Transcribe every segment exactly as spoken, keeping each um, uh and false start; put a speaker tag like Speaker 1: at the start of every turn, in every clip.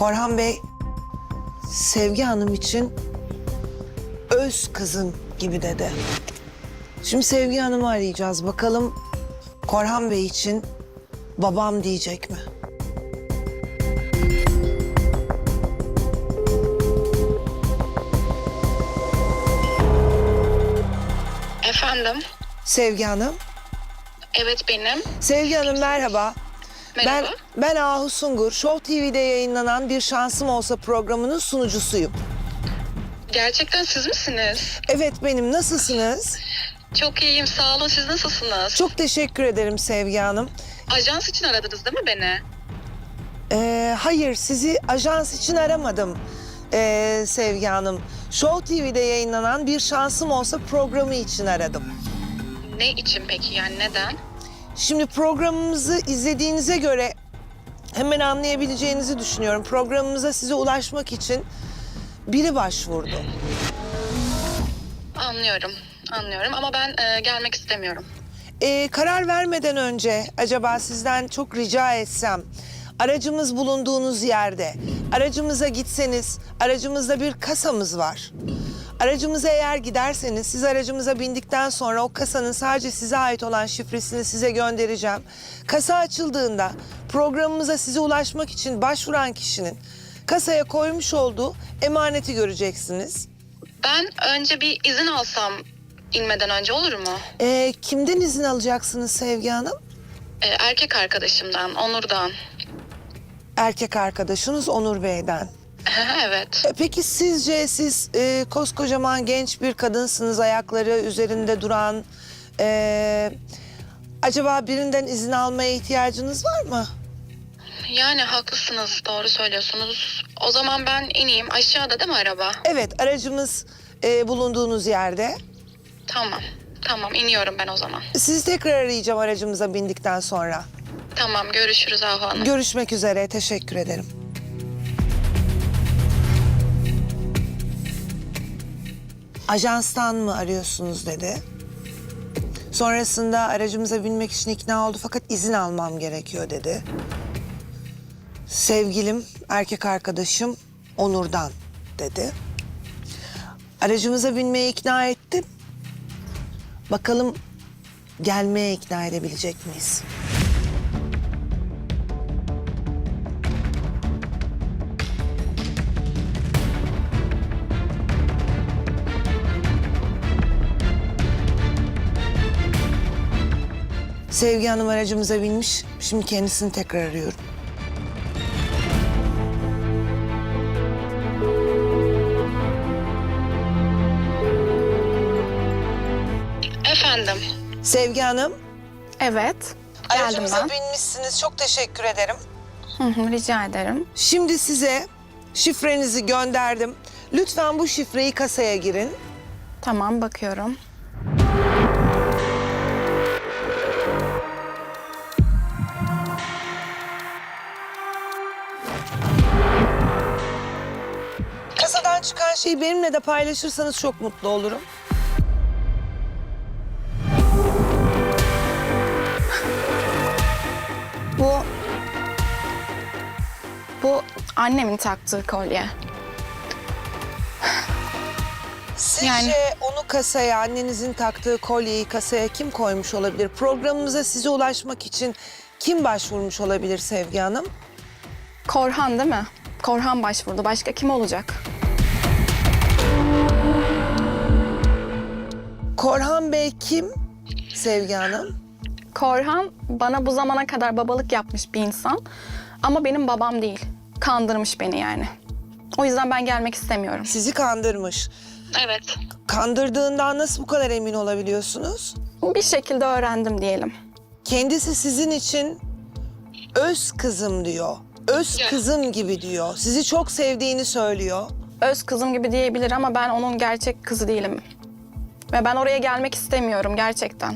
Speaker 1: Korhan Bey, Sevgi Hanım için öz kızım gibi dedi. Şimdi Sevgi Hanım'ı arayacağız. Bakalım Korhan Bey için babam diyecek mi?
Speaker 2: Efendim?
Speaker 1: Sevgi Hanım.
Speaker 2: Evet benim.
Speaker 1: Sevgi Hanım merhaba.
Speaker 2: Merhaba.
Speaker 1: Ben, ben Ahu Sungur. Show T V'de yayınlanan Bir Şansım Olsa programının sunucusuyum.
Speaker 2: Gerçekten siz misiniz?
Speaker 1: Evet benim. Nasılsınız?
Speaker 2: Çok iyiyim sağ olun. Siz nasılsınız?
Speaker 1: Çok teşekkür ederim Sevgi Hanım.
Speaker 2: Ajans için aradınız değil mi beni?
Speaker 1: Ee, hayır, sizi ajans için aramadım ee, Sevgi Hanım. Show T V'de yayınlanan Bir Şansım Olsa programı için aradım.
Speaker 2: Ne için peki yani neden?
Speaker 1: Şimdi programımızı izlediğinize göre hemen anlayabileceğinizi düşünüyorum. Programımıza size ulaşmak için biri başvurdu.
Speaker 2: Anlıyorum. Anlıyorum ama ben e, gelmek istemiyorum.
Speaker 1: Ee, karar vermeden önce acaba sizden çok rica etsem, aracımız bulunduğunuz yerde, aracımıza gitseniz, aracımızda bir kasamız var. Aracımıza eğer giderseniz, siz aracımıza bindikten sonra o kasanın sadece size ait olan şifresini size göndereceğim. Kasa açıldığında programımıza size ulaşmak için başvuran kişinin kasaya koymuş olduğu emaneti göreceksiniz.
Speaker 2: Ben önce bir izin alsam inmeden önce olur mu?
Speaker 1: Ee, kimden izin alacaksınız Sevgi Hanım?
Speaker 2: E, erkek arkadaşımdan, Onur'dan.
Speaker 1: Erkek arkadaşınız Onur Bey'den.
Speaker 2: Evet.
Speaker 1: E, Peki sizce siz e, koskocaman genç bir kadınsınız, ayakları üzerinde duran. E, acaba birinden izin almaya ihtiyacınız var mı?
Speaker 2: Yani haklısınız, doğru söylüyorsunuz. O zaman ben ineyim. Aşağıda değil mi araba?
Speaker 1: Evet, aracımız e, bulunduğunuz yerde.
Speaker 2: Tamam. Tamam iniyorum ben o zaman.
Speaker 1: Sizi tekrar arayacağım aracımıza bindikten sonra.
Speaker 2: Tamam görüşürüz Ahu Hanım.
Speaker 1: Görüşmek üzere, teşekkür ederim. Ajanstan mı arıyorsunuz dedi. Sonrasında aracımıza binmek için ikna oldu fakat izin almam gerekiyor dedi. Sevgilim, erkek arkadaşım Onur'dan dedi. Aracımıza binmeye ikna ettim. Bakalım gelmeye ikna edebilecek miyiz? Sevgi Hanım aracımıza binmiş. Şimdi kendisini tekrar arıyorum.
Speaker 2: Efendim?
Speaker 1: Sevgi Hanım,
Speaker 3: Evet, geldim
Speaker 1: aracımıza
Speaker 3: ben.
Speaker 1: binmişsiniz. Çok teşekkür ederim.
Speaker 3: Hı hı, rica ederim.
Speaker 1: Şimdi size şifrenizi gönderdim. Lütfen bu şifreyi kasaya girin.
Speaker 3: Tamam, bakıyorum.
Speaker 1: Kasadan çıkan şeyi benimle de paylaşırsanız çok mutlu olurum.
Speaker 3: Bu... Bu annemin taktığı kolye.
Speaker 1: Sizce
Speaker 3: Yani-
Speaker 1: onu kasaya, annenizin taktığı kolyeyi kasaya kim koymuş olabilir? Programımıza size ulaşmak için kim başvurmuş olabilir Sevgi Hanım?
Speaker 3: Korhan değil mi? Korhan başvurdu. Başka kim olacak?
Speaker 1: Korhan Bey kim Sevgi Hanım?
Speaker 3: Korhan bana bu zamana kadar babalık yapmış bir insan. Ama benim babam değil. Kandırmış beni yani. O yüzden ben gelmek istemiyorum.
Speaker 1: Sizi kandırmış.
Speaker 2: Evet.
Speaker 1: Kandırdığından nasıl bu kadar emin olabiliyorsunuz?
Speaker 3: Bir şekilde öğrendim diyelim.
Speaker 1: Kendisi sizin için öz kızım diyor. Öz
Speaker 2: Ya.
Speaker 1: kızım gibi diyor. Sizi çok sevdiğini söylüyor.
Speaker 3: Öz kızım gibi diyebilir ama ben onun gerçek kızı değilim. Ve ben oraya gelmek istemiyorum gerçekten.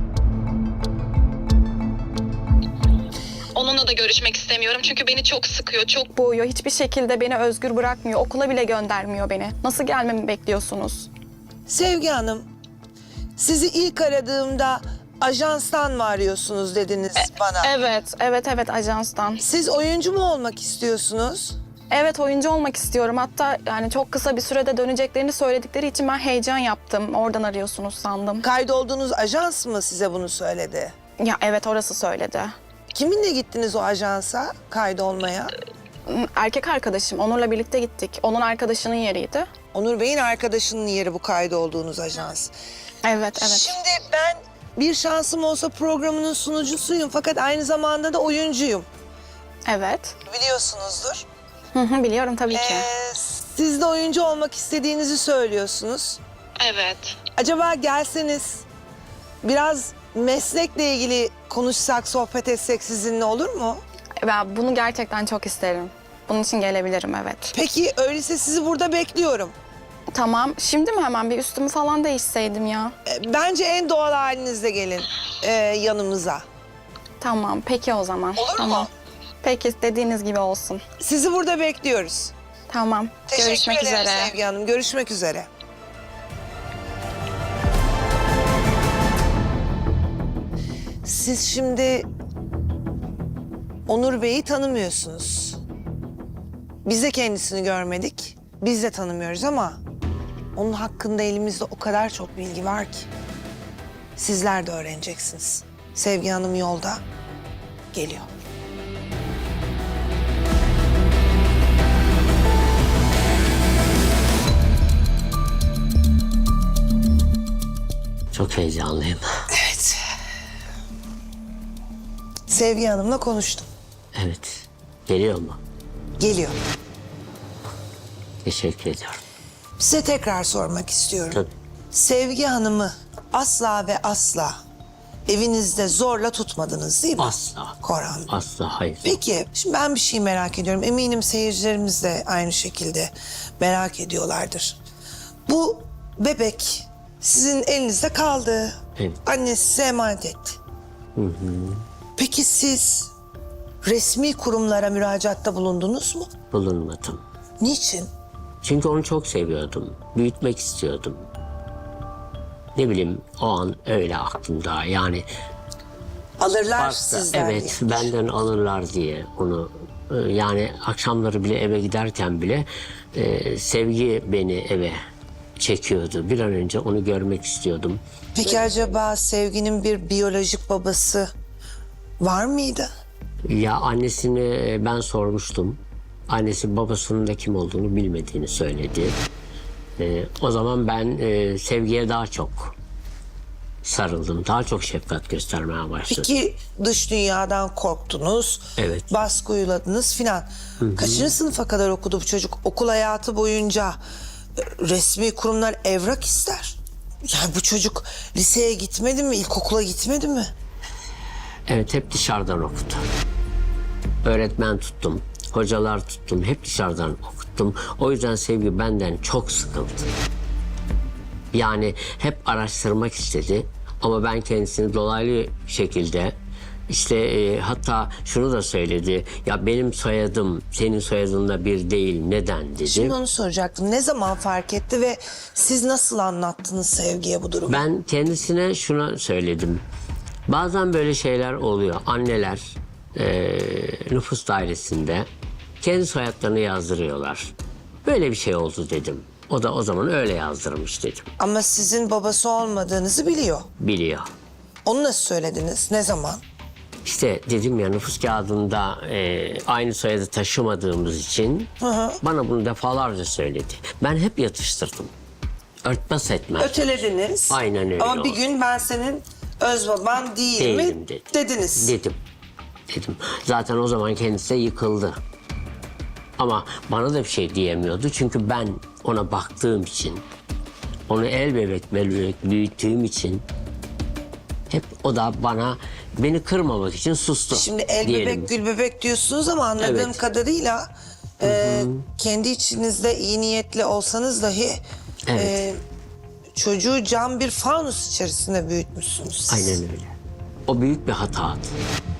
Speaker 2: Onunla da görüşmek istemiyorum çünkü beni çok sıkıyor, çok...
Speaker 3: Boğuyor. Hiçbir şekilde beni özgür bırakmıyor. Okula bile göndermiyor beni. Nasıl gelmemi bekliyorsunuz?
Speaker 1: Sevgi Hanım, sizi ilk aradığımda ajanstan mı arıyorsunuz dediniz bana.
Speaker 3: Evet, evet, evet ajanstan.
Speaker 1: Siz oyuncu mu olmak istiyorsunuz?
Speaker 3: Evet, oyuncu olmak istiyorum. Hatta yani çok kısa bir sürede döneceklerini söyledikleri için ben heyecan yaptım. Oradan arıyorsunuz sandım.
Speaker 1: Kaydolduğunuz ajans mı size bunu söyledi?
Speaker 3: Ya evet, orası söyledi.
Speaker 1: Kiminle gittiniz o ajansa kaydolmaya?
Speaker 3: Erkek arkadaşım, Onur'la birlikte gittik. Onun arkadaşının yeriydi.
Speaker 1: Onur Bey'in arkadaşının yeri bu kaydolduğunuz ajans.
Speaker 3: Evet, evet.
Speaker 1: Şimdi ben bir şansım olsa programının sunucusuyum fakat aynı zamanda da oyuncuyum.
Speaker 3: Evet.
Speaker 1: Biliyorsunuzdur.
Speaker 3: Hı hı, biliyorum tabii ki.
Speaker 1: Ee, siz de oyuncu olmak istediğinizi söylüyorsunuz.
Speaker 2: Evet.
Speaker 1: Acaba gelseniz biraz meslekle ilgili konuşsak, sohbet etsek sizinle olur mu?
Speaker 3: Ben bunu gerçekten çok isterim. Bunun için gelebilirim, evet.
Speaker 1: Peki öyleyse sizi burada bekliyorum.
Speaker 3: Tamam, şimdi mi hemen bir üstümü falan değişseydim ya?
Speaker 1: Ee, Bence en doğal halinizle gelin ee, yanımıza.
Speaker 3: Tamam, peki o zaman.
Speaker 1: Olur mu?
Speaker 3: Tamam. Peki, dediğiniz gibi olsun.
Speaker 1: Sizi burada bekliyoruz.
Speaker 3: Tamam,
Speaker 1: Teşekkür
Speaker 3: görüşmek
Speaker 1: ederim
Speaker 3: üzere.
Speaker 1: Sevgi Hanım. Görüşmek üzere. Siz şimdi Onur Bey'i tanımıyorsunuz. Biz de kendisini görmedik. Biz de tanımıyoruz ama onun hakkında elimizde o kadar çok bilgi var ki. Sizler de öğreneceksiniz. Sevgi Hanım yolda geliyor.
Speaker 4: Çok heyecanlıyım.
Speaker 1: Evet. Sevgi Hanım'la konuştum.
Speaker 4: Evet. Geliyor mu?
Speaker 1: Geliyor.
Speaker 4: Teşekkür ediyorum.
Speaker 1: Size tekrar sormak istiyorum.
Speaker 4: Tabii.
Speaker 1: Sevgi Hanım'ı asla ve asla evinizde zorla tutmadınız değil mi?
Speaker 4: Asla.
Speaker 1: Korhan Bey.
Speaker 4: Asla hayır.
Speaker 1: Peki, şimdi ben bir şey merak ediyorum. Eminim seyircilerimiz de aynı şekilde merak ediyorlardır. Bu bebek sizin elinizde kaldı.
Speaker 4: Evet.
Speaker 1: Annesi size emanet etti. Peki siz resmi kurumlara müracaatta bulundunuz mu?
Speaker 4: Bulunmadım.
Speaker 1: Niçin?
Speaker 4: Çünkü onu çok seviyordum. Büyütmek istiyordum. Ne bileyim o an öyle aklımda. Yani
Speaker 1: Alırlar
Speaker 4: farklı.
Speaker 1: sizden
Speaker 4: Evet,
Speaker 1: diye.
Speaker 4: benden alırlar diye onu. e, Yani akşamları bile eve giderken bile e, Sevgi beni eve çekiyordu. Bir an önce onu görmek istiyordum.
Speaker 1: Peki acaba Sevgi'nin bir biyolojik babası var mıydı?
Speaker 4: Ya annesini ben sormuştum. Annesi babasının da kim olduğunu bilmediğini söyledi. Ee, o zaman ben e, Sevgi'ye daha çok sarıldım. Daha çok şefkat göstermeye başladım.
Speaker 1: Peki dış dünyadan korktunuz,
Speaker 4: Evet.
Speaker 1: baskı uyguladınız filan. Kaçıncı sınıfa kadar okudu bu çocuk? Okul hayatı boyunca e, resmi kurumlar evrak ister. Yani bu çocuk liseye gitmedi mi, ilkokula gitmedi mi?
Speaker 4: Evet, hep dışarıdan okudu. Öğretmen tuttum, hocalar tuttum. Hep dışarıdan okuttum. O yüzden Sevgi benden çok sıkıldı. Yani hep araştırmak istedi. Ama ben kendisini dolaylı şekilde işte e, hatta şunu da söyledi. Ya benim soyadım senin soyadınla bir değil. Neden dedi.
Speaker 1: Şimdi onu soracaktım. Ne zaman fark etti ve siz nasıl anlattınız Sevgi'ye bu durumu?
Speaker 4: Ben kendisine şunu söyledim. Bazen böyle şeyler oluyor. Anneler e, nüfus dairesinde kendi soyadlarını yazdırıyorlar. Böyle bir şey oldu dedim. O da o zaman öyle yazdırmış dedim.
Speaker 1: Ama sizin babası olmadığınızı biliyor.
Speaker 4: Biliyor.
Speaker 1: Onu nasıl söylediniz? Ne zaman?
Speaker 4: İşte dedim ya nüfus kağıdında e, aynı soyadı taşımadığımız için bana bunu defalarca söyledi. Ben hep yatıştırdım. Örtbas etmez.
Speaker 1: Ötelediniz.
Speaker 4: Aynen öyle
Speaker 1: Ama bir
Speaker 4: oldu.
Speaker 1: gün ben senin öz baban değil
Speaker 4: Değilim
Speaker 1: mi
Speaker 4: dedi.
Speaker 1: dediniz.
Speaker 4: Dedim. Dedim. Zaten o zaman kendisi de yıkıldı. Ama bana da bir şey diyemiyordu. Çünkü ben ona baktığım için, onu el bebek bebek büyüttüğüm için hep o da bana beni kırmamak için sustu.
Speaker 1: Şimdi el
Speaker 4: diyelim.
Speaker 1: bebek gül bebek diyorsunuz ama anladığım
Speaker 4: Evet.
Speaker 1: kadarıyla e, kendi içinizde iyi niyetli olsanız dahi
Speaker 4: Evet.
Speaker 1: e, çocuğu cam bir fanus içerisinde büyütmüşsünüz siz.
Speaker 4: Aynen öyle. O büyük bir hatadı.